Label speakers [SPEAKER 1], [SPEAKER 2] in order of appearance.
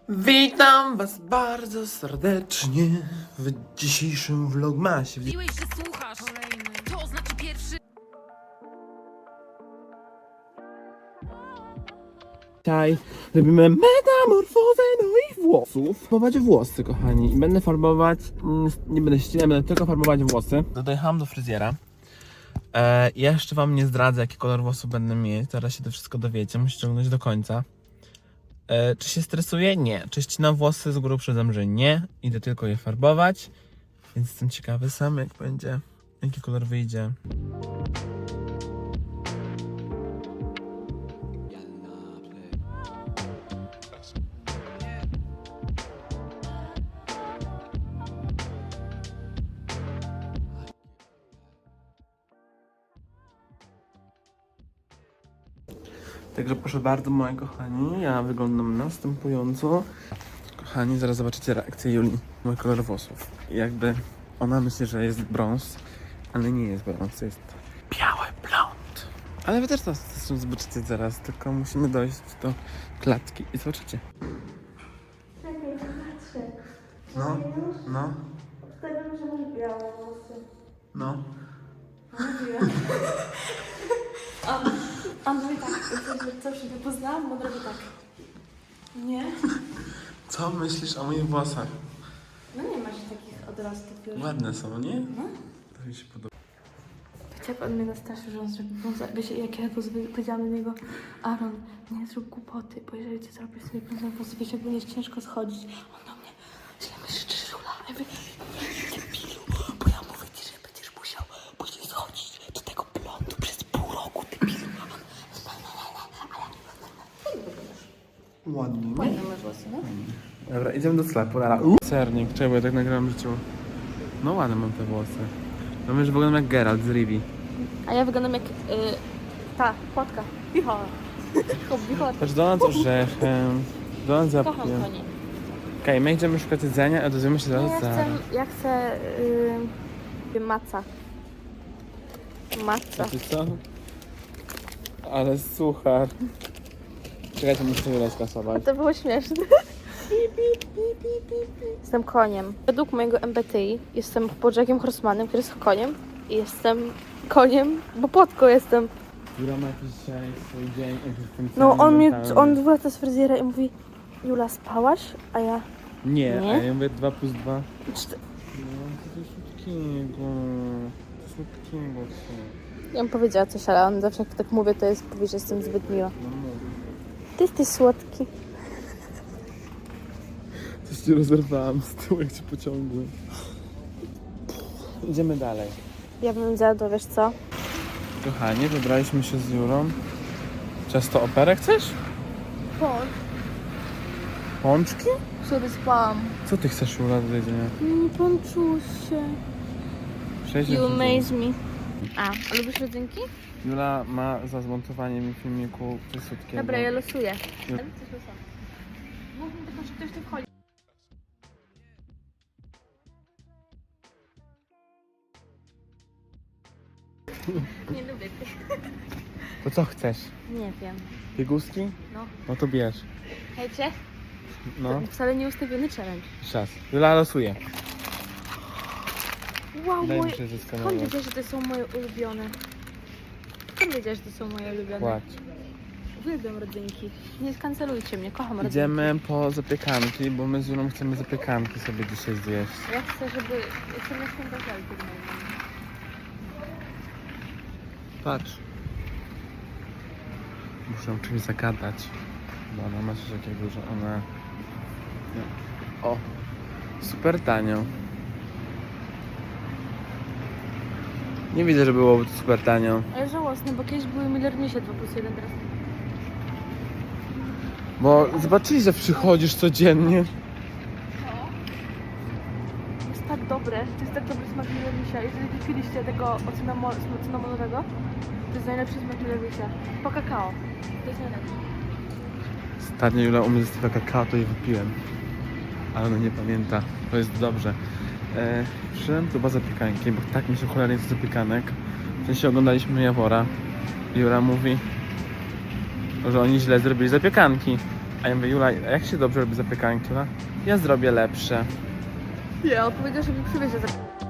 [SPEAKER 1] Witam was bardzo serdecznie w dzisiejszym vlogmasie.
[SPEAKER 2] Mówiłeś, że słuchasz. Kolejny. To znaczy pierwszy.
[SPEAKER 1] Dzisiaj robimy metamorfozę moich włosów. Farbować włosy, kochani. I będę farbować, nie będę ścinać, będę tylko farbować włosy. Dojechałam do fryzjera. Jeszcze wam nie zdradzę, jaki kolor włosów będę mieć. Zaraz się to wszystko dowiecie, musicie oglądać do końca. Czy się stresuję? Nie. Czy ścinam włosy? Z góry uprzedzam, że nie. Idę tylko je farbować. Więc jestem ciekawy sam, jak będzie, jaki kolor wyjdzie. Także proszę bardzo, moi kochani, ja wyglądam następująco. Kochani, zaraz zobaczycie reakcję Julii, mój kolor włosów. Jakby ona myśli, że jest brąz, ale nie jest brąz, jest biały blond. Ale wy też to zresztą zobaczycie zaraz, tylko musimy dojść do klatki i zobaczycie.
[SPEAKER 3] Czekaj, patrzę.
[SPEAKER 1] No, no,
[SPEAKER 3] Wtedy, że masz białe włosy.
[SPEAKER 1] no.
[SPEAKER 3] Mówiłam. On mówi tak, coś nie poznałam, bo robi tak. Nie?
[SPEAKER 1] Co myślisz o moich włosach?
[SPEAKER 3] No nie masz takich odrostów już.
[SPEAKER 1] Ładne są, nie?
[SPEAKER 3] No.
[SPEAKER 1] To mi się podoba.
[SPEAKER 3] Chciałby on mnie nastraszył, że on zrobi brąza. Wiecie, jak ja powiedziałam do niego, Aaron, nie zrób głupoty, bo jeżeli ty zrobisz sobie brązowe włosy, wiesz, jak będziesz ciężko schodzić. On do mnie, źle myślisz, że żula. Ja mówię, debilu, bo ja mówię ci, że będziesz musiał później schodzić do tego blondu przez pół roku, debilu.
[SPEAKER 1] Ładnie, nie?
[SPEAKER 3] Ładne masz włosy, no?
[SPEAKER 1] Dobra, idziemy do sklepu, nara. Sernik, czekaj, bo ja tak nagrałem w życiu. No ładne mam te włosy. No myślę, że wyglądam jak Geralt z Rivi.
[SPEAKER 3] A ja wyglądam jak ta płotka. Bichola. Bichola.
[SPEAKER 1] Patrz, Donald z orzechem, Donald z
[SPEAKER 3] Kocham
[SPEAKER 1] jabłkiem.
[SPEAKER 3] konie.
[SPEAKER 1] Okej, my idziemy szukać jedzenia, a dowiemy się zaraz za...
[SPEAKER 3] Ja chcę maca. Maca.
[SPEAKER 1] Wiecie co? Ale suchar. Czekajcie, muszę sobie skasować.
[SPEAKER 3] To było śmieszne. Jestem koniem. Według mojego MBTI jestem Bojakiem Horsemanem, który jest koniem. I jestem koniem, bo płotką jestem.
[SPEAKER 1] Jura ma jakiś dzisiaj swój dzień, jakiś ten
[SPEAKER 3] No
[SPEAKER 1] cały
[SPEAKER 3] on
[SPEAKER 1] mentalny.
[SPEAKER 3] wraca z fryzjera i mówi, Jula, spałaś? A ja,
[SPEAKER 1] Nie,
[SPEAKER 3] Nie?
[SPEAKER 1] a ja mówię 2 plus 2. No,
[SPEAKER 3] "Czte-"
[SPEAKER 1] to jest słodkiego. To słodkiego co.
[SPEAKER 3] ja bym powiedziała coś, ale on zawsze jak tak mówię, to jest, powie, że jestem zbyt miła.
[SPEAKER 1] No mówię.
[SPEAKER 3] Ty jesteś słodki.
[SPEAKER 1] Coś ci rozerwałam z tyłu, jak cię pociągłem. Idziemy dalej.
[SPEAKER 3] Ja bym zjadła, wiesz co?
[SPEAKER 1] Kochani, wybraliśmy się z Jurą. Ciasto operę chcesz? Pączki?
[SPEAKER 3] Sobie spałam.
[SPEAKER 1] Co ty chcesz, Jura, do jedzenia?
[SPEAKER 3] Pączusie.
[SPEAKER 1] Przejdźmy
[SPEAKER 3] You
[SPEAKER 1] przez-
[SPEAKER 3] amaze me. A lubisz rodzynki?
[SPEAKER 1] Jula ma za zmontowanie mi filmiku coś słodkiego.
[SPEAKER 3] Dobra, ja losuję.
[SPEAKER 1] Ju-
[SPEAKER 3] Mógłbym tylko, że ktoś tu wchodzi. Nie lubię tych.
[SPEAKER 1] To co chcesz?
[SPEAKER 3] Nie wiem.
[SPEAKER 1] Pieguski?
[SPEAKER 3] No.
[SPEAKER 1] No to bierz.
[SPEAKER 3] Hejcie?
[SPEAKER 1] No,
[SPEAKER 3] Wcale nie ustawiony challenge.
[SPEAKER 1] czas. Jula losuje.
[SPEAKER 3] Wow,
[SPEAKER 1] Daj mi
[SPEAKER 3] moje...
[SPEAKER 1] się
[SPEAKER 3] Skąd
[SPEAKER 1] zeskanować.
[SPEAKER 3] wiedziałeś, że to są moje ulubione? Skąd wiedziałeś, że to są moje ulubione?
[SPEAKER 1] Płacz.
[SPEAKER 3] Uwielbiam rodzynki. Nie skancelujcie mnie, kocham rodzynki.
[SPEAKER 1] Idziemy po zapiekanki, bo my z Julą chcemy zapiekanki sobie dzisiaj zjeść.
[SPEAKER 3] Ja chcę, żeby... Ja chcę na święta żelki w moim domu.
[SPEAKER 1] Patrz. Muszę czymś zagadać. Bo ona ma coś takiego, że ona... Nie. O! Super tanio. Nie widzę, że byłoby to super tanio.
[SPEAKER 3] Ale żałosne, bo kiedyś były Millermisie 2 plus 1 teraz.
[SPEAKER 1] Bo zobaczyli, że przychodzisz codziennie.
[SPEAKER 3] Jest tak dobre, to jest tak dobry smak Millermisia. Jeżeli kupiliście tego cynamonowego, to jest najlepszy smak Millermisia. Po kakao. To jest najlepszy.
[SPEAKER 1] Ostatnio Jula u mnie zostawiła kakao, to je wypiłem. Ale ona nie pamięta. To jest dobrze. Przyszedłem tu chyba zapiekanki, bo tak mi się cholernie chce zapiekanek. W sensie oglądaliśmy Jawora. Jura mówi, że oni źle zrobili zapiekanki. A ja mówię, Jula, a jak się dobrze robi zapiekanki? Ona, ja zrobię lepsze.
[SPEAKER 3] Nie, on powiedział, że mi przywiezie.